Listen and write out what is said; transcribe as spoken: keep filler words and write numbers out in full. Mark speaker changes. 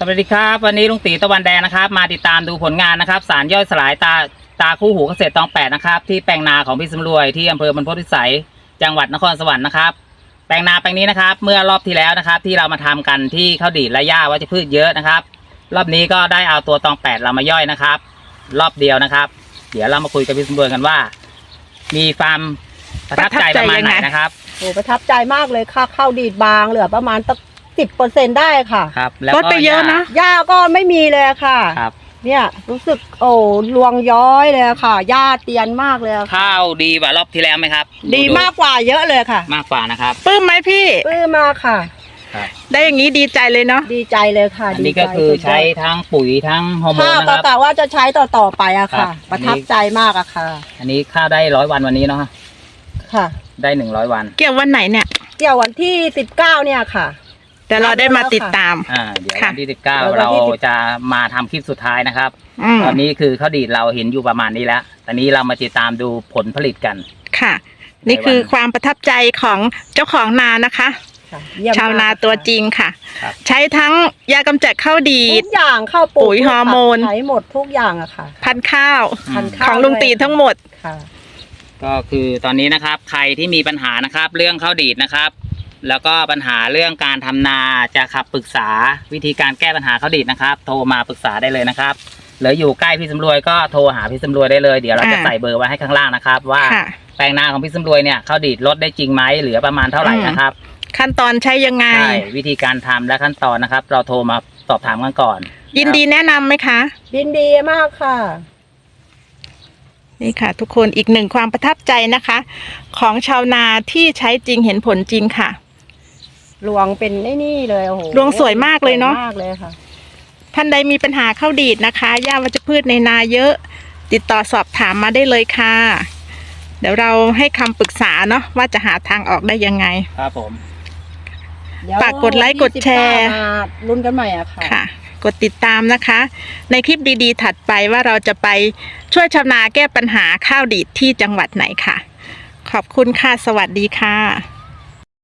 Speaker 1: สวัสดีครับวันนี้ลุงตีตะวันแดงนะครับมาติดตามดูผลงานนะครับสารย่อยสลายตาตาคู่หูเกษตรตองแปดนะครับที่แปลงนาของพี่สำรวยที่อำเภอบรรพตพิสัยจังหวัดนครสวรรค์นะครับแปลงนาแปลงนี้นะครับเมื่อรอบที่แล้วนะครับที่เรามาทำกันที่ข้าวดีดและหญ้าวัชพืชเยอะนะครับรอบนี้ก็ได้เอาตัวตองแปดเรามาย่อยนะครับรอบเดียวนะครับเดี๋ยวเรามาคุยกับพี่สำรวยกันว่ามีความประทับใจประมาณไหนนะครับ
Speaker 2: โอ้ประทับใจมากเลยค่ะข้าวดีดบางเหลือประมาณตั้งสิบเปอร์เซ็นต์ได้ค่ะ
Speaker 1: ครับแล้ว
Speaker 3: ลดไปเยอะนะ
Speaker 2: หญ้าก็ไม่มีเลยค่ะ
Speaker 1: ครับ
Speaker 2: เนี่ยรู้สึกโอ้รวงย้อยเลยค่ะหญ้าเตียนมากเลย
Speaker 1: ข้าวดีกว่ารอบที่แล้วไหมครับ
Speaker 2: ดีมากกว่าเยอะเลยค่ะ
Speaker 1: มากกว่านะครับ
Speaker 3: ปลื้มไหมพี่
Speaker 2: ปลื้มมากค่ะ
Speaker 3: ได้อย่างนี้ดีใจเลยเนาะ
Speaker 2: ดีใจเลยค่ะ
Speaker 1: อันนี้ก็คือใช้ทั้งปุ๋ยทั้งฮอร์โมนนะครับ
Speaker 2: กะว่าจะใช้ต่อต่อไปอะค่ะประทับใจมากอะค่ะ
Speaker 1: อันนี้ข้าวได้ร้อยวันวันนี้เนาะ
Speaker 2: ค่ะ
Speaker 1: ได้หนึ่งร้อยวัน
Speaker 3: เกี่ยววันไหนเนี่ย
Speaker 2: เกี่ยววันที่สิบเก้าเนี่ยค่ะ
Speaker 3: แต่เราได้มาติดตาม
Speaker 1: อ่าเดี๋ยววันที่สิบเก้าเราจะมาทำคลิปสุดท้ายนะครับตอนนี้คือข้าวดีดเราเห็นอยู่ประมาณนี้แล้วตอนนี้เรามาติดตามดูผลผลิตกัน
Speaker 3: ค่ะนี่คือความประทับใจของเจ้าของนานะคะชาวนาตัวจริงค่ะใช้ทั้งยากำจัดข้าวดีด
Speaker 2: ทุกอย่างข้าว
Speaker 3: ปุ๋ยฮอร์โมน
Speaker 2: ใช้หมดทุกอย่างอะค่ะ
Speaker 3: พันธุ์ข้าวของลุงตีทั้งหมด
Speaker 2: ค่ะ
Speaker 1: ก็คือตอนนี้นะครับใครที่มีปัญหานะครับเรื่องข้าวดีดนะครับแล้วก็ปัญหาเรื่องการทำนาจะขับปรึกษาวิธีการแก้ปัญหาข้าวดีดนะครับโทรมาปรึกษาได้เลยนะครับหรืออยู่ใกล้พี่สำรวยก็โทรหาพี่สำรวยได้เลยเดี๋ยวเราจะใส่เบอร์ไว้ให้ข้างล่างนะครับว่าแปลงนาของพี่สำรวยเนี่ยข้าวดีดลดได้จริงไหมเหลือประมาณเท่าไหร่นะครับ
Speaker 3: ขั้นตอนใช้ยังไง
Speaker 1: ใช่วิธีการทำและขั้นตอนนะครับเราโทรมาสอบถามกันก่อน
Speaker 3: ยินดีแนะนำไหมคะ
Speaker 2: ยินดีมากค่ะ
Speaker 3: นี่ค่ะทุกคนอีกหนึ่งความประทับใจนะคะของชาวนาที่ใช้จริงเห็นผลจริงค่ะ
Speaker 2: รวงเป็นไอ้นี่เลยโอ้โห
Speaker 3: รวงสวยมากเลยเนาะ
Speaker 2: มากเลยค่ะ
Speaker 3: ท่านใดมีปัญหาข้าวดีดนะคะหญ้าวัชพืชในนาเยอะติดต่อสอบถามมาได้เลยค่ะเดี๋ยวเราให้คำปรึกษาเนาะว่าจะหาทางออกได้ยังไง
Speaker 1: ครับผม
Speaker 3: ฝากกดไลค์กดแชร์
Speaker 2: ลุ้นกันใหม่อะค่ะ
Speaker 3: ค่ะกดติดตามนะคะในคลิปดีๆถัดไปว่าเราจะไปช่วยชาวนาแก้ปัญหาข้าวดีดที่จังหวัดไหนค่ะขอบคุณค่ะสวัสดีค่ะ